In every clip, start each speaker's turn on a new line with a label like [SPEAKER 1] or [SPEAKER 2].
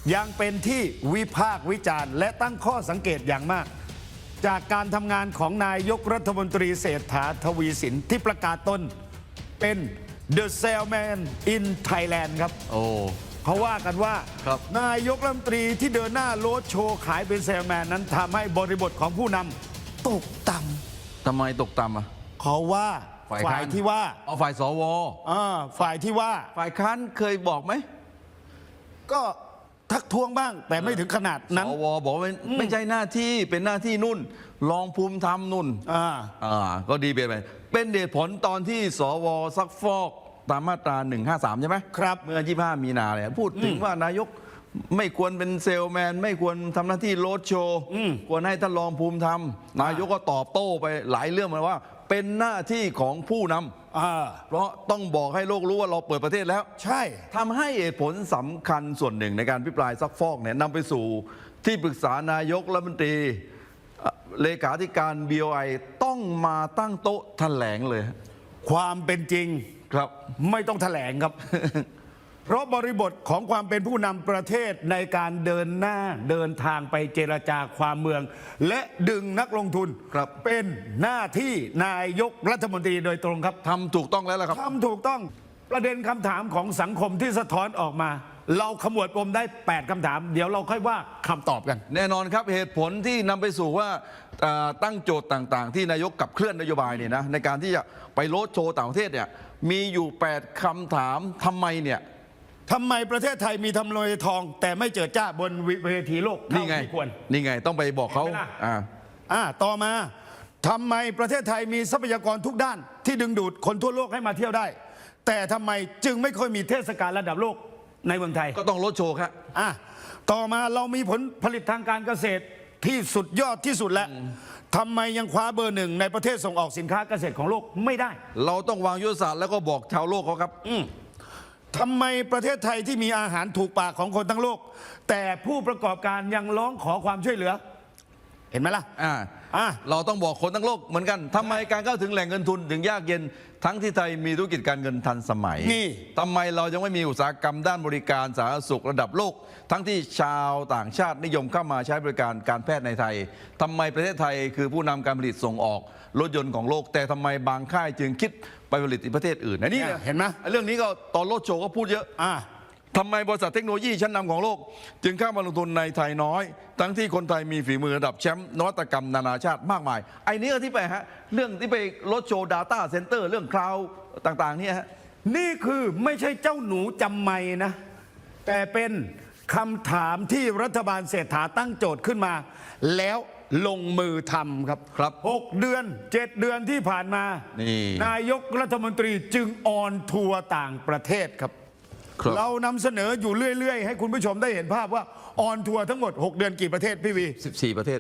[SPEAKER 1] ยังเป็นที่วิพากษ์วิจารณ์และตั้งข้อสังเกตอย่างมาก จากการทำงานของนายกรัฐมนตรีเศรษฐาทวีสินที่ประกาศตนเป็น The Salesman in Thailand ครับเขาว่ากันว่านายกรัฐมนตรีที่เดินหน้าโรดโชว์ขายเป็นเซลแมนนั้นทำให้บริบทของผู้นำตกต่ำ
[SPEAKER 2] ทำไมตกต่ำอ่ะ
[SPEAKER 1] เขาว่าฝ่ายที่ว่า
[SPEAKER 2] ฝ่ายสว
[SPEAKER 1] ฝ่ายที่ว่า
[SPEAKER 2] ฝ่ายค้านเคยบอกไหม
[SPEAKER 1] ก็ทักท้วงบ้างแต่ไม่ถึงขนาดนั้น
[SPEAKER 2] สวบอกว่าไม่ใช่หน้าที่เป็นหน้าที่นุ่นรองภูมิธรรมนุ่นก็ดีไปเป็นเหตุผลตอนที่สวซักฟอกตามมาตรา153ใช่ไหม
[SPEAKER 1] ครับ
[SPEAKER 2] เมื่อ25มีนาเนี่ยพูดถึงว่านายกไม่ควรเป็นเซลแมนไม่ควรทำหน้าที่โรดโชว์ควรให้ท่านรองภูมิธรรมนายกก็ตอบโต้ไปหลายเรื่องมาว่าเป็นหน้าที่ของผู้นำเพราะต้องบอกให้โลกรู้ว่าเราเปิดประเทศแล้ว
[SPEAKER 1] ใช่
[SPEAKER 2] ทำให้เหตุผลสำคัญส่วนหนึ่งในการพิปรายซักฟอกเนี่ยนำไปสู่ที่ปรึกษานายกรัฐมนตรีเลขาธิการ BOI ต้องมาตั้งโต๊ะแถลงเลย
[SPEAKER 1] ความเป็นจริง
[SPEAKER 2] ครับ
[SPEAKER 1] ไม่ต้องแถลงครับ เพราะบริบทของความเป็นผู้นำประเทศในการเดินหน้าเดินทางไปเจรจาความเมืองและดึงนักลงทุนเป็นหน้าที่นายกรัฐมนตรีโดยตรงครับ
[SPEAKER 2] ทำถูกต้องแล้วล่ะครับ
[SPEAKER 1] ทำถูกต้องประเด็นคำถามของสังคมที่สะท้อนออกมาเราขมวดปมได้8คำถามเดี๋ยวเราค่อยว่าคำตอบกัน
[SPEAKER 2] แน่นอนครับเหตุผลที่นำไปสู่ว่าตั้งโจทย์ต่างๆที่นายกขับเคลื่อนนโยบายเนี่ยนะในการที่จะไปโรดโชว์ต่างประเทศเนี่ยมีอยู่8คำถามทำไม
[SPEAKER 1] ประเทศไทยมีทำเลทองแต่ไม่เจิดจ้าบนเวทีโลกเท่าที่ควร
[SPEAKER 2] นี่ไงต้องไปบอกเขา
[SPEAKER 1] ต่อมาทำไมประเทศไทยมีทรัพยากรทุกด้านที่ดึงดูดคนทั่วโลกให้มาเที่ยวได้แต่ทำไมจึงไม่ค่อยมีเทศกาลระดับโลกในเมืองไทย
[SPEAKER 2] ก็ต้องโรดโชว์ครับ
[SPEAKER 1] ต่อมาเรามีผลผลิตทางการเกษตรที่สุดยอดที่สุดแล้วทำไมยังคว้าเบอร์ 1ในประเทศส่งออกสินค้าเกษตรของโลกไม่ได้
[SPEAKER 2] เราต้องวางยุทธศาสตร์แล้วก็บอกชาวโลกเขาครับ
[SPEAKER 1] ทำไมประเทศไทยที่มีอาหารถูกปากของคนทั้งโลกแต่ผู้ประกอบการยังร้องขอความช่วยเหลือเห็นไหมล่ะ
[SPEAKER 2] เราต้องบอกคนทั้งโลกเหมือนกันทำไมการเข้าถึงแหล่งเงินทุนถึงยากเย็นทั้งที่ไทยมีธุรกิจการเงินทันสมัยทำไมเรายังไม่มีอุตสาหกรรมด้านบริการสาธารณสุขระดับโลกทั้งที่ชาวต่างชาตินิยมเข้ามาใช้บริการการแพทย์ในไทยทำไมประเทศไทยคือผู้นำการผลิตส่งออกรถยนต์ของโลกแต่ทำไมบางค่ายจึงคิดไปผลิตในประเทศอื่นนี่
[SPEAKER 1] เห็นไหม
[SPEAKER 2] เรื่องนี้ก็ตอนโลดโชว์ก็พูดเยอะทำไมบริษัทเทคโนโลยีชั้นนำของโลกจึงเข้ามาลงทุนในไทยน้อยทั้งที่คนไทยมีฝีมือระดับแชมป์นวัตกรรมนานาชาติมากมายไอ้นี้ก็ที่ไปเรื่องที่ไปโลดโชว์ Data Center เรื่องคลาวด์ต่างๆเนี่ย
[SPEAKER 1] นี่คือไม่ใช่เจ้าหนูจำไม่นะแต่เป็นคำถามที่รัฐบาลเศรษฐาตั้งโจทย์ขึ้นมาแล้วลงมือทำครับ6 เดือน 7 เดือนที่ผ่านมานายกรัฐมนตรีจึงออนทัวร์ต่างประเทศครับเรานำเสนออยู่เรื่อยๆให้คุณผู้ชมได้เห็นภาพว่าออนทัวร์ทั้งหมด6 เดือนกี่ประเทศพี่วี
[SPEAKER 2] 14 ประเทศ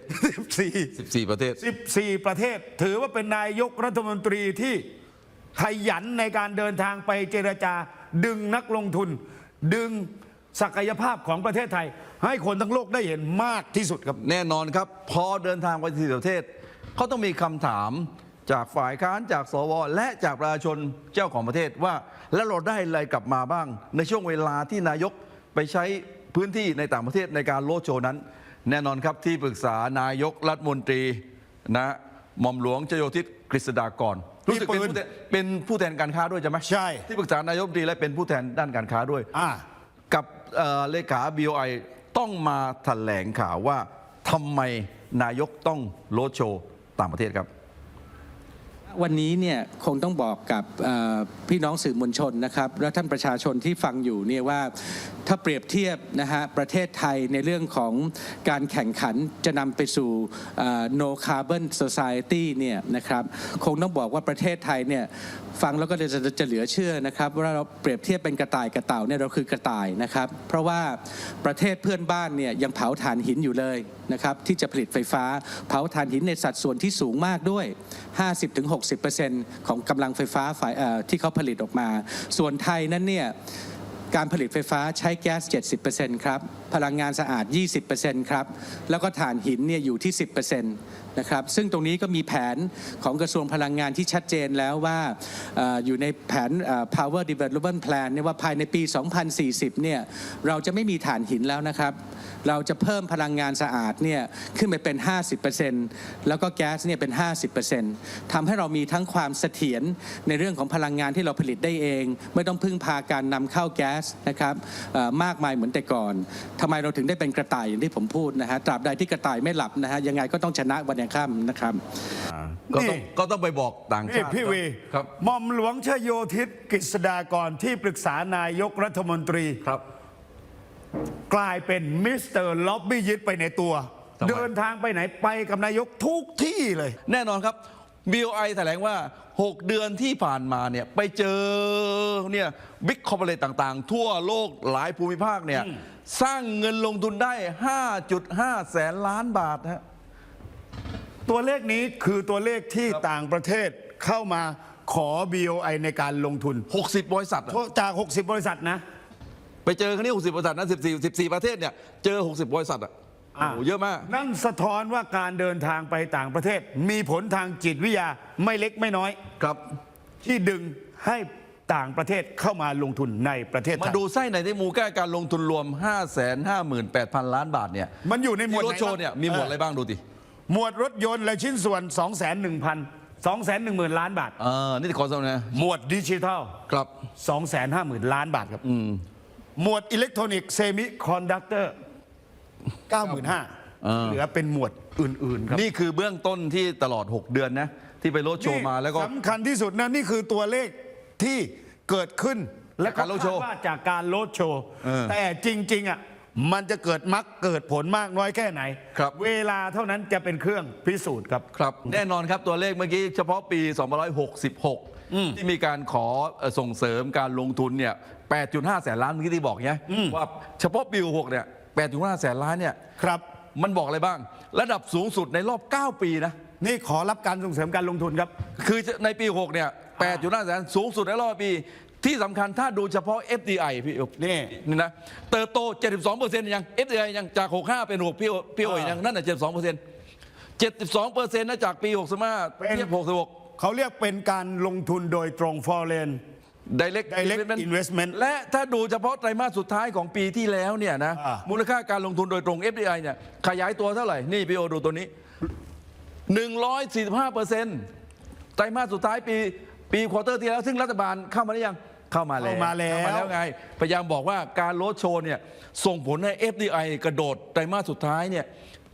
[SPEAKER 2] 14 ประเทศ
[SPEAKER 1] 14 ประเทศถือว่าเป็นนายกรัฐมนตรีที่ขยันในการเดินทางไปเจรจาดึงนักลงทุนดึงศักยภาพของประเทศไทยให้คนทั้งโลกได้เห็นมากที่สุดครับ
[SPEAKER 2] แน่นอนครับพอเดินทางไปที่ประเทศเขาต้องมีคำถามจากฝ่ายค้านจากสวและจากประชาชนเจ้าของประเทศว่าแล้วเราได้อะไรกลับมาบ้างในช่วงเวลาที่นายกไปใช้พื้นที่ในต่างประเทศในการโรดโชว์นั้นแน่นอนครับที่ปรึกษานายกรัฐมนตรีหม่อมหลวงชโยธิตกฤษฎากรรู้สึกเป็นผู้แทนการค้าด้วยใช่ไหม
[SPEAKER 1] ใช่
[SPEAKER 2] ที่ปรึกษานายกรัฐมนตรีและเป็นผู้แทนด้านการค้าด้วยกับเลขา BOI ต้องมาแถลงข่าวว่าทำไมนายกต้องโรดโชว์ต่างประเทศครับ
[SPEAKER 3] วันนี้เนี่ยคงต้องบอกกับพี่น้องสื่อมวลชนนะครับและท่านประชาชนที่ฟังอยู่เนี่ยว่าถ้าเปรียบเทียบนะฮะประเทศไทยในเรื่องของการแข่งขันจะนำไปสู่ no carbon society เนี่ยนะครับคงต้องบอกว่าประเทศไทยเนี่ยฟังแล้วก็จะเหลือเชื่อนะครับว่าเราเปรียบเทียบเป็นกระต่ายกับเต่าเนี่ยเราคือกระต่ายนะครับเพราะว่าประเทศเพื่อนบ้านเนี่ยยังเผาถ่านหินอยู่เลยนะครับที่จะผลิตไฟฟ้าเผาถ่านหินในสัดส่วนที่สูงมากด้วย 50-60% ของกำลังไฟฟ้าที่เขาผลิตออกมาส่วนไทยนั้นเนี่ยการผลิตไฟฟ้าใช้แก๊ส 70% ครับ พลังงานสะอาด 20% ครับ แล้วก็ถ่านหินเนี่ยอยู่ที่ 10%นะครับ ซึ่งตรงนี้ก็มีแผนของกระทรวงพลังงานที่ชัดเจนแล้วว่าอยู่ในแผนPower Development Plan เนี่ยว่าภายในปี 2040 เนี่ยเราจะไม่มีถ่านหินแล้วนะครับ เราจะเพิ่มพลังงานสะอาดเนี่ยขึ้นไปเป็น 50% แล้วก็แก๊สเนี่ยเป็น 50% ทำให้เรามีทั้งความเสถียรในเรื่องของพลังงานที่เราผลิตได้เอง ไม่ต้องพึ่งพาการนำเข้าแก๊สนะครับมากมายเหมือนแต่ก่อนทำไมเราถึงได้เป็นกระต่ายอย่างที่ผมพูดนะฮะตราบใดที่กระต่ายไม่หลับนะฮะยังไงก็ต้องชนะวันยังค่ำนะครับ
[SPEAKER 2] ก็ต้องไปบอกต่าง
[SPEAKER 1] นี่
[SPEAKER 2] ชาติ
[SPEAKER 1] พี่วี
[SPEAKER 2] ครับ
[SPEAKER 1] หม่อมหลวงชโยธิตกฤษฎากรที่ปรึกษานายกรัฐมนตรี
[SPEAKER 2] ครับ
[SPEAKER 1] กลายเป็นมิสเตอร์ล็อบบี้ยิตไปในตัว
[SPEAKER 2] ทำไม
[SPEAKER 1] เดินทางไปไหนไปกับนายกทุกที่เลย
[SPEAKER 2] แน่นอนครับ BOI แถลงว่า 6 เดือนที่ผ่านมาเนี่ยไปเจอเนี่ยบิ๊กคอร์ปอเรทต่างๆ ทั่วโลกหลายภูมิภาคเนี่ยสร้างเงินลงทุนได้ 5.5 แสนล้านบาทฮะ
[SPEAKER 1] ตัวเลขนี้คือตัวเลขที่ต่างประเทศเข้ามาขอ BOI ในการลงทุน
[SPEAKER 2] 60 บริษัทอะ
[SPEAKER 1] จาก 60 บริษัทนะ
[SPEAKER 2] ไปเจอครั้งนี้ 60 บริษัทนะ14 ประเทศเนี่ยเจอ 60 บริษัทอ่ะโอ้โหเยอะมาก
[SPEAKER 1] นั่นสะท้อนว่าการเดินทางไปต่างประเทศ มีผลทางจิตวิทยาไม่เล็กไม่น้อย
[SPEAKER 2] ครับ
[SPEAKER 1] ที่ดึงให้ต่างประเทศเข้ามาลงทุนในประเทศไท
[SPEAKER 2] มาย ดูไส้ในที่มูลค่าการลงทุนรวม 558,000 ล้านบาทเนี่ย
[SPEAKER 1] มันอยู่ในหมวด
[SPEAKER 2] ที่รถ
[SPEAKER 1] ไหน
[SPEAKER 2] โชว์เนี่ยมีหมวดอะไรบ้างดูดิ
[SPEAKER 1] หมวดรถยนต์และชิ้นส่วน 210,000 ล้านบาท
[SPEAKER 2] นี่ขอสมนะ
[SPEAKER 1] หมวดดิจิทัล
[SPEAKER 2] ครับ
[SPEAKER 1] 250,000 ล้านบาทครับหมวดอิเล็กทรอนิกส์เซมิคอนดักเตอร์ 95,000เหลือเป็นหมวดอื่นๆครับ
[SPEAKER 2] นี่คือเบื้องต้นที่ตลอด 6 เดือนนะที่ไปรถโชว์มาแล้วก็
[SPEAKER 1] สำคัญที่สุดนะนี่คือตัวเลขที่เกิดขึ้นและ
[SPEAKER 2] จากการโลดโชว์
[SPEAKER 1] คดว่าจากการโลดโชว์
[SPEAKER 2] เออ
[SPEAKER 1] แต่จริงๆอ่ะมันจะเกิดมรรคเกิดผลมากน้อยแค่ไหน
[SPEAKER 2] ครับ
[SPEAKER 1] เวลาเท่านั้นจะเป็นเครื่องพิสูจน์ครับ
[SPEAKER 2] ครับแน่นอนครับตัวเลขเมื่อกี้เฉพาะปี 2566 ที่มีการขอส่งเสริมการลงทุนเนี่ย 8.5 แสนล้านเมื่อกี้ที่บอกเนี่ยว่าเฉพาะปี66เนี่ย 8.5 แสนล้านเนี่ย
[SPEAKER 1] ครับ
[SPEAKER 2] มันบอกอะไรบ้าง ระดับสูงสุดในรอบ 9 ปีนะ
[SPEAKER 1] นี่ขอรับการส่งเสริมการลงทุนครับ
[SPEAKER 2] คือในปี 6 เนี่ย 8.5 แสนสูงสุดในรอบปี ที่สำคัญถ้าดูเฉพาะ FDI พี่อุ๊บ
[SPEAKER 1] นี่
[SPEAKER 2] นี่นะเติบโต 72%ยัง FDI ยังจาก 65 เป็น 6 พี่โอยยังนั่นน่ะ 72% 72%นะจากปี 65
[SPEAKER 1] เป็น
[SPEAKER 2] เทียบ 66
[SPEAKER 1] เขาเรียกเป็นการลงทุนโดยตรง foreign
[SPEAKER 2] Direct
[SPEAKER 1] investment
[SPEAKER 2] และถ้าดูเฉพาะไตรมาสสุดท้ายของปีที่แล้วเนี่ยนะ มูลค่าการลงทุนโดยตรง FDI เนี่ยขยายตัวเท่าไหร่ นี่พี่โอดูตัวนี้ 145%ไตรมาสสุดท้ายปีควอเตอร์ที่แล้ว ซึ่งรัฐบาลเข้ามาหรือยังเข้ามาแล้ว
[SPEAKER 1] เข้ามาแล้ว
[SPEAKER 2] ไง พยายามบอกว่าการโรดโชว์เนี่ยส่งผลให้ FDI กระโดดไตรมาสสุดท้ายเนี่ย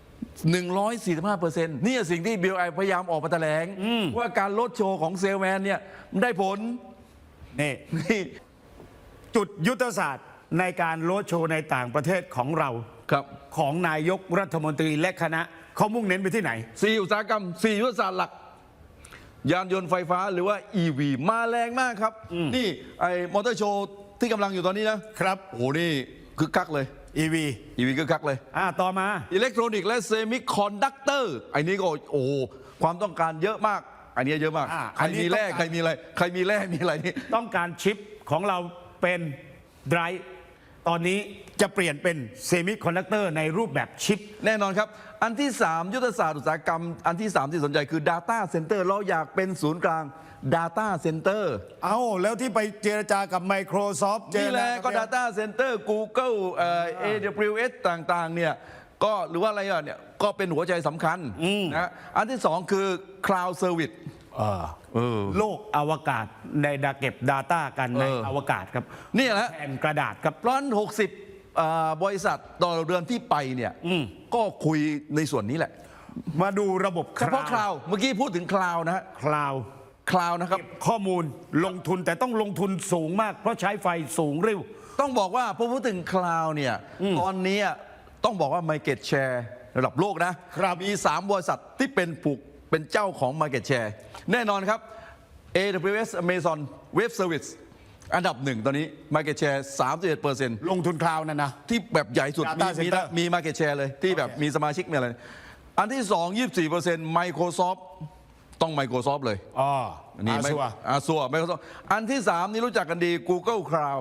[SPEAKER 2] 145%นี่สิ่งที่ BOI พยายามออกมาแถลงว่าการโรดโชว์ของเซลแมนเนี่ยมันได้ผล
[SPEAKER 1] นี่
[SPEAKER 2] นี่
[SPEAKER 1] จุดยุทธศาสตร์ในการโลดโชว์ในต่างประเทศของเรา
[SPEAKER 2] ครับ
[SPEAKER 1] ของนายกรัฐมนตรีและคณะเขามุ่งเน้นไปที่ไหน
[SPEAKER 2] 4 อุตสาหกรรม 4 ยุทธศาสตร์หลัก ยานยนต์ไฟฟ้าหรือว่า EV มาแรงมากครับ นี่ไอ้มอเตอร์โชว์ที่กำลังอยู่ตอนนี้นะครับ โอ้โหนี่คึกคักเลย
[SPEAKER 1] EV
[SPEAKER 2] EV คึกคักเลย
[SPEAKER 1] ต่อมา
[SPEAKER 2] อิเล็กทรอนิกส์และเซมิคอนดักเตอร์ไอ้นี้ก็โอ้โหความต้องการเยอะมาก อันนี้เยอะมาก ใครมีแร่ใครมีอะไรใครมีแร่มีอะไรนี่
[SPEAKER 1] ต้องการชิปของเราเป็นไดรฟ์ตอนนี้จะเปลี่ยนเป็นเซมิคอนดักเตอร์ในรูปแบบชิป
[SPEAKER 2] แน่นอนครับ อันที่ 3 ยุทธศาสตร์อุตสาหกรรม อันที่ 3 ที่สนใจคือ Data Center เราอยากเป็นศูนย์กลาง Data Center
[SPEAKER 1] เอาแล้วที่ไปเจรจากับ Microsoft
[SPEAKER 2] นี่แหละก็
[SPEAKER 1] เจรจา
[SPEAKER 2] Data Center Google AWS ต่างๆเนี่ยก็หรือว่าอะไรอ่ะเนี่ยก็เป็นหัวใจสำคัญนะอันที่ 2 คือ Cloud Service
[SPEAKER 1] โลกอวกาศในดาเก็บ Data กันในอวกาศครับ
[SPEAKER 2] นี่แหละ
[SPEAKER 1] แผ่นกระดาษครับ
[SPEAKER 2] ร้อน60บริษัทต่อเดือนที่ไปเนี่ยก็คุยในส่วนนี้แหละ
[SPEAKER 1] มาดูระบบ
[SPEAKER 2] เฉพาะคลาวเมื่อกี้พูดถึงคลาวนะฮะ
[SPEAKER 1] คลาว
[SPEAKER 2] คลาวนะครับ
[SPEAKER 1] ข้อมูลลงทุนแต่ต้องลงทุนสูงมากเพราะใช้ไฟสูงเร็ว
[SPEAKER 2] ต้องบอกว่าพอพูดถึงคลาวเนี่ยตอนนี้ต้องบอกว่า Market Share ระดับโลกนะครับมี 3 บริษัทที่เป็นเจ้าของ Market Share แน่นอนครับ AWS Amazon Web Service อันดับ 1 ตอนนี้ Market Share 31%
[SPEAKER 1] ลงทุนคลาวนั่นนะ
[SPEAKER 2] ที่แบบใหญ่สุด
[SPEAKER 1] Data Center
[SPEAKER 2] มี Market Share เลยที่แบบมีสมาชิกมีอะไร อันที่ 2 24% Microsoft ต้อง Microsoft เลย
[SPEAKER 1] อ๋อ
[SPEAKER 2] นี่
[SPEAKER 1] Azure
[SPEAKER 2] Azure Microsoft อันที่ 3 นี่รู้จักกันดี Google Cloud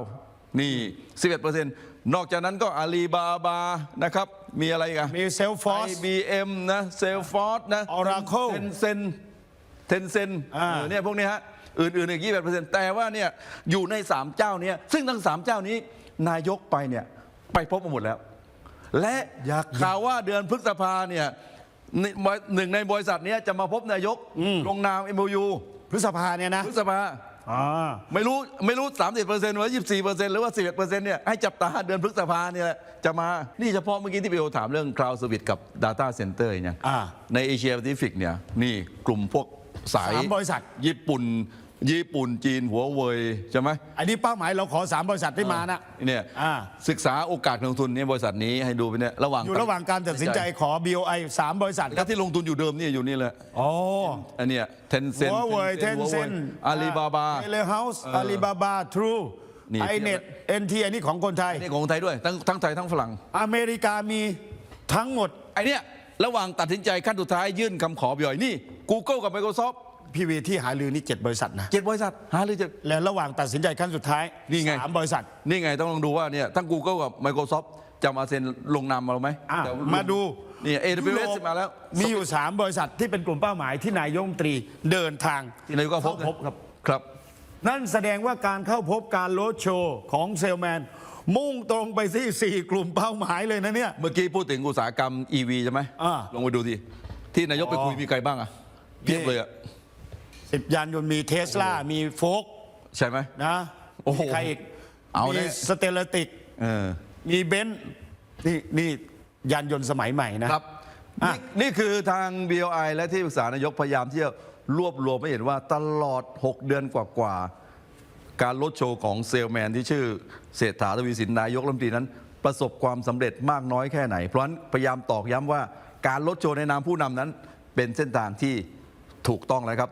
[SPEAKER 2] นี่ 11%นอกจากนั้นก็อาลีบาบานะครับมีอะไรอีกัน
[SPEAKER 1] มีเซลฟอร์ส
[SPEAKER 2] IBM นะเซลฟอร์สนะ
[SPEAKER 1] Oracle
[SPEAKER 2] เทนเซนเนี่ยพวกนี้ฮะอื่นๆอีก 21%แต่ว่าเนี่ยอยู่ใน 3 เจ้านี้ซึ่งทั้ง 3 เจ้านี้นายกไปเนี่ยไปพบมาหมดแล้ว และข่าวว่าเดือนพฤษภาเนี่ยหนึ่งในบริษัทนี้จะมาพบนายกลงนาม MOU
[SPEAKER 1] พฤษภาเนี่ยนะ
[SPEAKER 2] พฤษภาไม่รู้ 30%หรือ 24%หรือว่า 11%เนี่ยให้จับตาเดือนพฤษภาเนี่ยจะมานี่เฉพาะเมื่อกี้ที่พี่โอถามเรื่อง Cloud Service กับ Data Center เนี่ยในเอเชียแปซิฟิกเนี่ยนี่กลุ่มพวกสาย
[SPEAKER 1] 3 บริษัท
[SPEAKER 2] ญี่ปุ่นจีนหัวเว่ยใช่ไหม
[SPEAKER 1] อันนี้เป้าหมายเราขอ 3 บริษัทที่มานะ
[SPEAKER 2] เนี่ยศึกษาโอกาสลงทุนเนี่ยบริษัทนี้ให้ดูไปเนี่ยระหว่าง
[SPEAKER 1] อยู่ระหว่างการตัดสินใจขอ BOI 3 บริษัทค
[SPEAKER 2] แล้
[SPEAKER 1] รับ
[SPEAKER 2] วที่ลงทุนอยู่เดิมเนี่ยอยู่นี่แหละ
[SPEAKER 1] อ๋อ
[SPEAKER 2] อันเนี้ยเทนเซน
[SPEAKER 1] หัวเว่ยเทนเซน
[SPEAKER 2] อาลีบาบา
[SPEAKER 1] เทเลเฮาส์อาลีบาบาทรู
[SPEAKER 2] นี่
[SPEAKER 1] ไอเน็ตเอ็นทีอันนี้ของคนไทย
[SPEAKER 2] นี่ของไทยด้วยทั้งไทยทั้งฝรั่ง
[SPEAKER 1] อเมริกามีทั้งหมด
[SPEAKER 2] ไอเนี้ยระหว่างตัดสินใจขั้นสุดท้ายยื่นคำขอบ่อยนี่ Google กับ Microsoft
[SPEAKER 1] พี่วีที่หาลือนี่7 บริษัทนะ
[SPEAKER 2] 7 บริษัทหาหรือจะ
[SPEAKER 1] และระหว่างตัดสินใจขั้นสุดท้าย
[SPEAKER 2] นี่ไง
[SPEAKER 1] 3 บริษัท
[SPEAKER 2] นี่ไงต้องลองดูว่าเนี่ยทั้ง Google กับ Microsoft จะมาเซ็นลงนามมาหรือไหม
[SPEAKER 1] อ่ะ
[SPEAKER 2] แต่
[SPEAKER 1] มาดู
[SPEAKER 2] นี่
[SPEAKER 1] ยุโร
[SPEAKER 2] AWS
[SPEAKER 1] ป
[SPEAKER 2] มาแล้ว
[SPEAKER 1] มีอยู่ 3 บริษัทที่เป็นกลุ่มเป้าหมายที่นายกรัฐมนตรีเดินทาง
[SPEAKER 2] ที่นายกก็พบ
[SPEAKER 1] เข้าพบครับ
[SPEAKER 2] ครับ
[SPEAKER 1] นั่นแสดงว่าการเข้าพบการโรดโชว์ของเซลแมน มุ่งตรงไปที่ 4 กลุ่มเป้าหมายเลยนะเนี่ย
[SPEAKER 2] เมื่อกี้พูดถึงอุตสาหกรรม EV ใช่ไหม ลองไปดูทีที่นายกไปคุยมีใครบ้างอะเพียบเลยอะ
[SPEAKER 1] 10 ยานยนต์มีเทสลามีโฟก
[SPEAKER 2] ใช่ไหม
[SPEAKER 1] นะ
[SPEAKER 2] โอ้โห
[SPEAKER 1] มีใครอีก
[SPEAKER 2] เอา
[SPEAKER 1] มี
[SPEAKER 2] แน่
[SPEAKER 1] สเตลติก มีเบนซ์นี่ยานยนต์สมัยใหม่นะครับ
[SPEAKER 2] นี่คือทาง BOI และที่ปรึกษานายกพยายามที่จะรวบรวมให้เห็นว่าตลอด 6 เดือนกว่าๆการลดโชว์ของเซลแมนที่ชื่อเศรษฐาทวีสินนายกรัฐมนตรีนั้น ประสบความสำเร็จมากน้อยแค่ไหน เพราะฉะนั้นพยายามตอกย้ำว่าการลดโชว์ในนามผู้นำนั้นเป็นเส้นทางที่ถูกต้องแล้วครับ